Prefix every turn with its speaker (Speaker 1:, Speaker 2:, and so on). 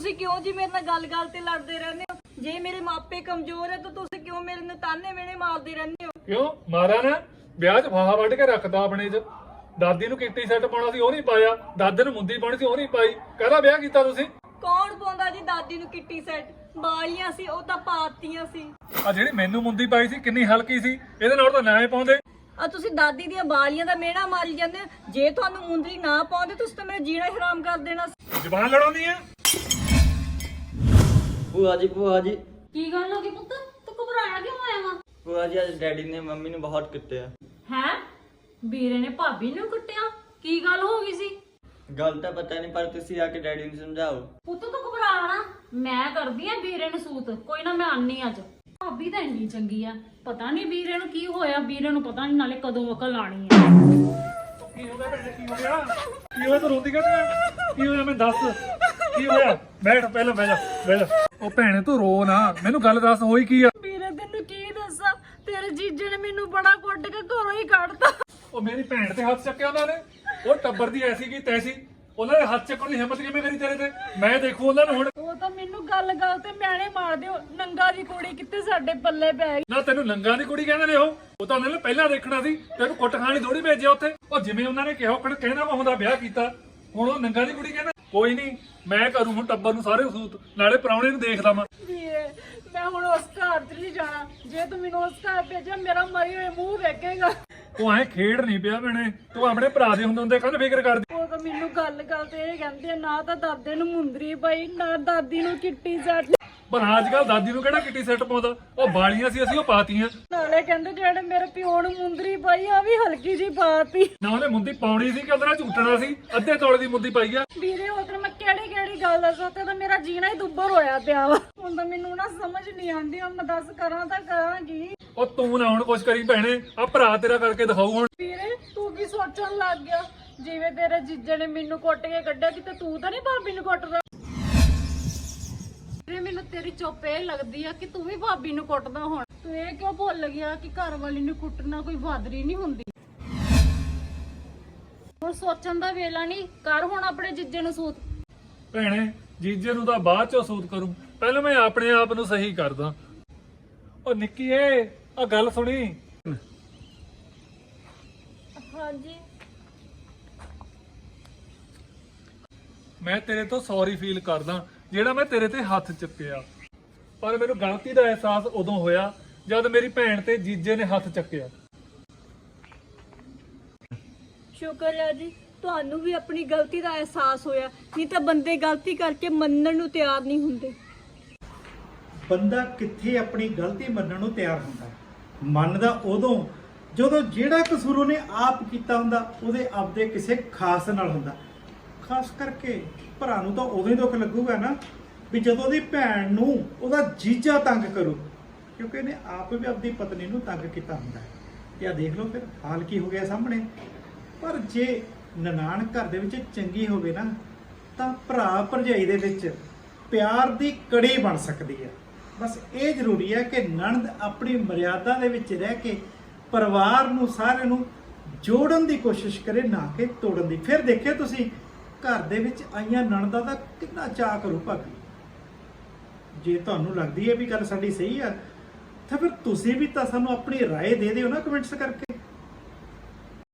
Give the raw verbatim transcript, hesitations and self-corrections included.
Speaker 1: ਤੁਸੀਂ ਕਿਉਂ ਜੀ ਮੇਰੇ ਨਾਲ ਗੱਲ-ਗੱਲ ਤੇ ਲੜਦੇ ਰਹਿੰਦੇ ਹੋ? ਜੇ ਮੇਰੇ ਮਾਪੇ ਕਮਜ਼ੋਰ ਹੈ ਤਾਂ ਤੁਸੀਂ ਕਿਉਂ ਮੇਰੇ ਨੂੰ ਤਾਨੇ ਮੇਣੇ ਮਾਰਦੇ ਰਹਿੰਦੇ ਹੋ?
Speaker 2: ਕਿਉਂ ਮਾਰਾ ਨਾ? ਵਿਆਹ 'ਚ ਫਾਹਾ ਵੱਢ ਕੇ ਰੱਖਦਾ ਆਪਣੇ 'ਚ। ਦਾਦੀ ਨੂੰ ਕਿੱਟੀ ਸੈੱਟ ਪਾਉਣਾ ਸੀ ਉਹ ਨਹੀਂ ਪਾਇਆ, ਦਾਦੇ ਨੂੰ ਮੁੰਦੀ ਪਾਉਣੀ ਸੀ ਉਹ ਨਹੀਂ ਪਾਈ। ਕਾਹਦਾ ਵਿਆਹ ਕੀਤਾ ਤੁਸੀਂ?
Speaker 1: ਕੌਣ ਪਾਉਂਦਾ ਜੀ ਦਾਦੀ ਨੂੰ ਕਿੱਟੀ ਸੈੱਟ? ਬਾਲੀਆਂ ਸੀ ਉਹ ਤਾਂ ਪਾਤੀਆਂ ਸੀ।
Speaker 2: ਆ ਜਿਹੜੀ ਮੈਨੂੰ ਮੁੰਦੀ ਪਾਈ ਸੀ ਕਿੰਨੀ ਹਲਕੀ ਸੀ, ਇਹਦੇ ਨਾਲ ਤਾਂ ਨਾ ਹੀ ਪਾਉਂਦੇ।
Speaker 1: ਆ ਤੁਸੀਂ ਦਾਦੀ ਦੀਆਂ ਬਾਲੀਆਂ ਦਾ ਮਿਹਣਾ ਮਾਰੀ ਜਾਂਦੇ ਹੋ। ਜੇ ਤੁਹਾਨੂੰ ਮੁੰਦਰੀ ਨਾ ਪਾਉਂਦੇ ਤੁਸੀਂ ਤਾਂ ਮੇਰਾ ਜੀਣਾ ਹੀ ਹਰਾਮ ਕਰ ਦੇਣਾ ਸੀ।
Speaker 2: ਜ਼ਬਾਨ ਲੜਾਉਂਦੀ ਆ।
Speaker 3: ਭੂਆ ਜੀ ਭੂਆ ਜੀ
Speaker 4: ਕੀ ਗੱਲ ਹੋ ਗਈ ਪੁੱਤ? ਤੂੰ ਘਬਰਾਇਆ ਕਿਉਂ ਆਇਆ ਵਾ?
Speaker 3: ਭੂਆ ਜੀ ਅੱਜ ਡੈਡੀ ਨੇ ਮੰਮੀ ਨੂੰ ਬਹੁਤ ਕੁੱਟਿਆ।
Speaker 4: ਹੈ ਵੀਰੇ ਨੇ ਭਾਬੀ ਨੂੰ ਕੁੱਟਿਆ? ਕੀ ਗੱਲ ਹੋ ਗਈ ਸੀ?
Speaker 3: ਗੱਲ ਤਾਂ ਪਤਾ ਨਹੀਂ, ਪਰ ਤੁਸੀਂ ਆ ਕੇ ਡੈਡੀ ਨੂੰ ਸਮਝਾਓ।
Speaker 4: ਪੁੱਤ ਤੂੰ ਘਬਰਾ ਨਾ, ਮੈਂ ਕਰਦੀ ਆ ਵੀਰੇ ਨੂੰ ਸੂਤ। ਕੋਈ ਨਾ ਮੈਂ ਆਨੀ ਅੱਜ। ਭਾਬੀ ਤਾਂ ਇੰਨੀ ਚੰਗੀ ਆ, ਪਤਾ ਨਹੀਂ ਵੀਰੇ ਨੂੰ ਕੀ ਹੋਇਆ। ਵੀਰੇ ਨੂੰ ਪਤਾ ਨਹੀਂ ਨਾਲੇ ਕਦੋਂ ਅਕਲ ਆਣੀ ਆ।
Speaker 2: ਕੀ ਹੋ ਗਿਆ ਭੈਣੇ? ਕੀ ਹੋ ਗਿਆ? ਕੀ ਹੋਇਆ? ਤੂੰ ਰੋਂਦੀ ਕਿਉਂ ਆ? ਕੀ ਹੋਇਆ ਮੈਨੂੰ ਦੱਸ। ਕੀ ਹੋਇਆ? ਬੈਠ ਪਹਿਲਾਂ, ਬਹਿ ਜਾ ਬਹਿ ਜਾ। ਉਹ ਭੈਣੇ ਤੂੰ ਰੋ ਨਾ, ਮੈਨੂੰ ਗੱਲ ਦੱਸ ਹੋਈ ਕੀ ਆ?
Speaker 1: ਵੀਰੇ ਤੈਨੂੰ ਕੀ ਦੱਸਾਂ, ਤੇਰੇ ਜੀਜੇ ਨੇ ਮੈਨੂੰ ਬੜਾ ਕੁੱਟ ਕੇ ਘਰੋਂ ਹੀ ਕੱਢਤਾ।
Speaker 2: ਉਹ ਮੇਰੀ ਭੈਣ ਤੇ ਹੱਥ ਚੱਕਿਆ ਉਹਨਾਂ ਨੇ। ਉਹ ਟੱਬਰ ਦੀ ਐਸੀ ਕੀ ਤੈਸੀ, ਉਹਨਾਂ ਦੇ ਹੱਥ ਚੱਕਣ ਦੀ ਹਿੰਮਤ ਕਿਵੇਂ ਕਰੀ ਤੇਰੇ ਤੇ? ਮੈਂ ਦੇਖੂ ਉਹਨਾਂ ਨੂੰ ਹੁਣ।
Speaker 1: ਉਹ ਤਾਂ ਮੈਨੂੰ ਗੱਲ ਗੱਲ ਤੇ ਮਿਆਣੇ ਮਾਰਦੇ ਹੋ। ਨੰਗਾ ਦੀ ਕੁੜੀ ਕਿੱਥੇ ਸਾਡੇ ਪੱਲੇ ਪੈ ਗਈ।
Speaker 2: ਨਾ ਤੈਨੂੰ ਨੰਗਾ ਦੀ ਕੁੜੀ ਕਹਿੰਦੇ ਨੇ ਉਹ ਉਹ ਤਾਂ ਉਹਨਾਂ ਨੇ ਪਹਿਲਾਂ ਦੇਖਣਾ ਸੀ। ਤੈਨੂੰ ਕੁੱਟ ਖਾਣੀ ਥੋੜੀ ਭੇਜਿਆ ਉੱਥੇ। ਉਹ ਜਿਵੇਂ ਉਹਨਾਂ ਨੇ ਕਿਹਾ ਉਹ ਕਹਿਣਾ ਵਾ ਹੁੰਦਾ ਵਿਆਹ ਕੀਤਾ, ਹੁਣ ਉਹ ਨੰਗਾ ਦੀ ਕੁੜੀ ਕਹਿੰਦਾ। ਕੋਈ ਨਹੀਂ, ਮੈਂ ਕਰੂੰ ਹੁਣ ਟੱਬਰ ਨੂੰ ਸਾਰੇ ਸੂਤ, ਨਾਲੇ ਪ੍ਰਾਹੁਣੇ ਨੂੰ ਦੇਖਦਾ ਮੈਂ।
Speaker 1: ਵੀਰੇ ਮੈਂ ਹੁਣ ਉਸ ਘਰ ਚ ਨਹੀਂ ਜਾਣਾ। ਜੇ ਤੂੰ ਮੈਨੂੰ ਉਸ ਘਰ ਭੇਜਿਆ ਮੇਰਾ ਮਰੀ ਹੋਏ ਮੂੰਹ ਵੇਖੇਗਾ।
Speaker 2: ਤੂੰ ਐ ਖੇਡ ਨਹੀਂ ਪਿਆ ਭੈਣੇ, ਤੂੰ ਆਪਣੇ ਭਰਾ ਦੇ ਹੁੰਦੇ ਹੁੰਦੇ ਕੱਲ ਫਿਕਰ ਕਰਦੀ।
Speaker 1: ਉਹ ਤਾਂ ਮੈਨੂੰ ਗੱਲ ਗੱਲ ਤੇ ਇਹ ਕਹਿੰਦੇ ਆ, ਨਾ ਤਾਂ ਦਾਦੇ ਨੂੰ ਮੁੰਦਰੀ ਪਾਈ ਨਾ ਦਾਦੀ ਨੂੰ ਕਿੱਟੀ ਸੈੱਟ।
Speaker 2: ਪਰ ਅੱਜ ਕੱਲ ਦਾਦੀ ਨੂੰ ਕਿਹੜਾ ਕਿੱਟੀ ਸੈੱਟ ਪਾਉਂਦਾ? ਉਹ ਬਾਲੀਆਂ ਸੀ ਅਸੀਂ ਉਹ ਪਾਤੀਆਂ।
Speaker 1: ਨਾਲੇ ਕਹਿੰਦੇ ਜਿਹੜੇ ਮੇਰੇ ਪਿਓ ਨੂੰ ਮੁੰਦਰੀ ਪਾਈ ਆ ਵੀ ਹਲਕੀ ਜੀ ਪਾਤੀ।
Speaker 2: ਨਾ ਉਹਨੇ ਮੁੰਦੀ ਪਾਉਣੀ ਸੀ ਕਿ ਉਹਦੇ ਨਾਲ ਝੂਟਣਾ ਸੀ। ਅੱਧੇ ਤੋਲੇ ਦੀ ਮੁੰਦੀ ਪਾਈ ਆ।
Speaker 1: ਵੀਰੇ ਉਧਰ ਮੈਂ ਕਿਹੜੀ ਕਿਹੜੀ ਗੱਲ ਦੱਸਾਂ, ਤੇ ਤਾਂ ਮੇਰਾ ਜੀਣਾ ਹੀ ਦੁੱਬਰ ਹੋਇਆ ਪਿਆ ਵਾ। ਹੁਣ ਤਾਂ ਮੈਨੂੰ ਨਾ ਸਮਝ ਨਹੀਂ ਆਉਂਦੀ, ਹੁਣ ਮੈਂ ਦੱਸ ਕਰਾਂ ਤਾਂ ਕਰਾਂ ਕੀ।
Speaker 2: ਉਹ ਤੂੰ ਨਾ ਹੁਣ ਕੁਛ ਕਰੀ ਭੈਣੇ, ਆ ਭਰਾ ਤੇਰਾ ਕਰਕੇ ਦਿਖਾਊ ਹੁਣ।
Speaker 1: ਵੀਰੇ ਤੂੰ ਕੀ ਸੋਚਣ ਲੱਗ ਗਿਆ? ਜਿਵੇਂ ਤੇਰੇ ਜੀਜੇ ਨੇ ਮੈਨੂੰ ਕੁੱਟ ਕੇ ਕੱਢਿਆ, ਕਿਤੇ ਤੂੰ ਤਾਂ ਨਹੀਂ ਭਾਬੀ ਨੂੰ ਕੁੱਟਦਾ? ਵੀਰੇ ਮੈਨੂੰ ਤੇਰੀ ਚੁੱਪ ਇਹ ਲੱਗਦੀ ਆ ਕਿ ਤੂੰ ਵੀ ਭਾਬੀ ਨੂੰ ਕੁੱਟਦਾ। ਹੁਣ ਤੂੰ ਇਹ ਕਿਉਂ ਭੁੱਲ ਗਿਆ ਕਿ ਘਰ ਵਾਲੀ ਨੂੰ ਕੁੱਟਣਾ ਕੋਈ ਬਹਾਦਰੀ ਨਹੀਂ ਹੁੰਦੀ? ਹੁਣ ਸੋਚਣ ਦਾ ਵੇਲਾ ਨਹੀਂ, ਕਰ ਹੁਣ ਆਪਣੇ ਜੀਜੇ ਨੂੰ ਸੂਤ।
Speaker 2: ਭੈਣੇ ਜੀਜੇ ਨੂੰ ਤਾਂ ਬਾਅਦ ਚੋਂ ਸੂਤ ਕਰੂੰ, ਪਹਿਲਾਂ ਮੈਂ ਆਪਣੇ ਆਪ ਨੂੰ ਸਹੀ ਕਰਦਾ। ਉਹ ਨਿੱਕੀ ਏ ਆ ਗੱਲ ਸੁਣੀ।
Speaker 1: ਹਾਂਜੀ
Speaker 2: ਮੈਂ ਤੇਰੇ ਤੋਂ ਸੌਰੀ ਫੀਲ ਕਰਦਾ ਜਿਹੜਾ ਮੈਂ ਤੇਰੇ ਤੇ ਹੱਥ ਚੱਕਿਆ, ਪਰ ਮੈਨੂੰ ਗਲਤੀ ਦਾ ਅਹਿਸਾਸ ਉਦੋਂ ਹੋਇਆ ਜਦ ਮੇਰੀ ਭੈਣ ਤੇ ਜੀਜੇ ਨੇ ਹੱਥ ਚੱਕਿਆ।
Speaker 1: ਸ਼ੁਕਰ ਹੈ ਜੀ ਤੁਹਾਨੂੰ ਵੀ ਆਪਣੀ ਗਲਤੀ ਦਾ ਅਹਿਸਾਸ ਹੋਇਆ, ਨਹੀਂ ਤਾਂ ਬੰਦੇ ਗਲਤੀ ਕਰਕੇ ਮੰਨਣ ਨੂੰ ਤਿਆਰ ਨਹੀਂ ਹੁੰਦੇ।
Speaker 5: ਬੰਦਾ ਕਿੱਥੇ ਆਪਣੀ ਗਲਤੀ ਮੰਨਣ ਨੂੰ ਤਿਆਰ ਹੁੰਦਾ? ਮੰਨਦਾ ਉਦੋਂ ਜਦੋਂ ਜਿਹੜਾ ਕਸੂਰ ਉਹਨੇ ਆਪ ਕੀਤਾ ਹੁੰਦਾ ਉਹਦੇ ਆਪਦੇ ਕਿਸੇ ਖਾਸ ਨਾਲ ਹੁੰਦਾ। ਖਾਸ ਕਰਕੇ ਭਰਾ ਨੂੰ ਤਾਂ ਉਦੋਂ ਹੀ ਦੁੱਖ ਲੱਗੂਗਾ ਨਾ ਵੀ ਜਦੋਂ ਉਹਦੀ ਭੈਣ ਨੂੰ ਉਹਦਾ ਜੀਜਾ ਤੰਗ ਕਰੂ, ਕਿਉਂਕਿ ਇਹਨੇ ਆਪ ਵੀ ਆਪਣੀ ਪਤਨੀ ਨੂੰ ਤੰਗ ਕੀਤਾ ਹੁੰਦਾ। ਤੇ ਆ ਦੇਖ ਲਓ ਫਿਰ ਹਾਲ ਕੀ ਹੋ ਗਿਆ ਸਾਹਮਣੇ। ਪਰ ਜੇ ਨਨਾਣ ਘਰ ਦੇ ਵਿੱਚ ਚੰਗੀ ਹੋਵੇ ਨਾ ਤਾਂ ਭਰਾ ਭਰਜਾਈ ਦੇ ਵਿੱਚ ਪਿਆਰ ਦੀ ਕੜੀ ਬਣ ਸਕਦੀ ਹੈ। ਬਸ ਇਹ ਜ਼ਰੂਰੀ ਹੈ ਕਿ ਨਣਦ ਆਪਣੀ ਮਰਿਆਦਾ ਦੇ ਵਿੱਚ ਰਹਿ ਕੇ ਪਰਿਵਾਰ ਨੂੰ ਸਾਰੇ ਨੂੰ ਜੋੜਨ ਦੀ ਕੋਸ਼ਿਸ਼ ਕਰੇ, ਨਾ ਕਿ ਤੋੜਨ ਦੀ। ਫਿਰ ਦੇਖਿਓ ਤੁਸੀਂ ਘਰ ਦੇ ਵਿੱਚ ਆਈਆਂ ਨਣਦਾਂ ਦਾ ਕਿੰਨਾ ਚਾਅ ਕਰੂ ਭਾਬੀ। ਜੇ ਤੁਹਾਨੂੰ ਲੱਗਦੀ ਹੈ ਵੀ ਗੱਲ ਸਾਡੀ ਸਹੀ ਆ ਤਾਂ ਫਿਰ ਤੁਸੀਂ ਵੀ ਤਾਂ ਸਾਨੂੰ ਆਪਣੀ ਰਾਏ ਦੇ ਦਿਓ ਨਾ ਕਮੈਂਟਸ ਕਰਕੇ।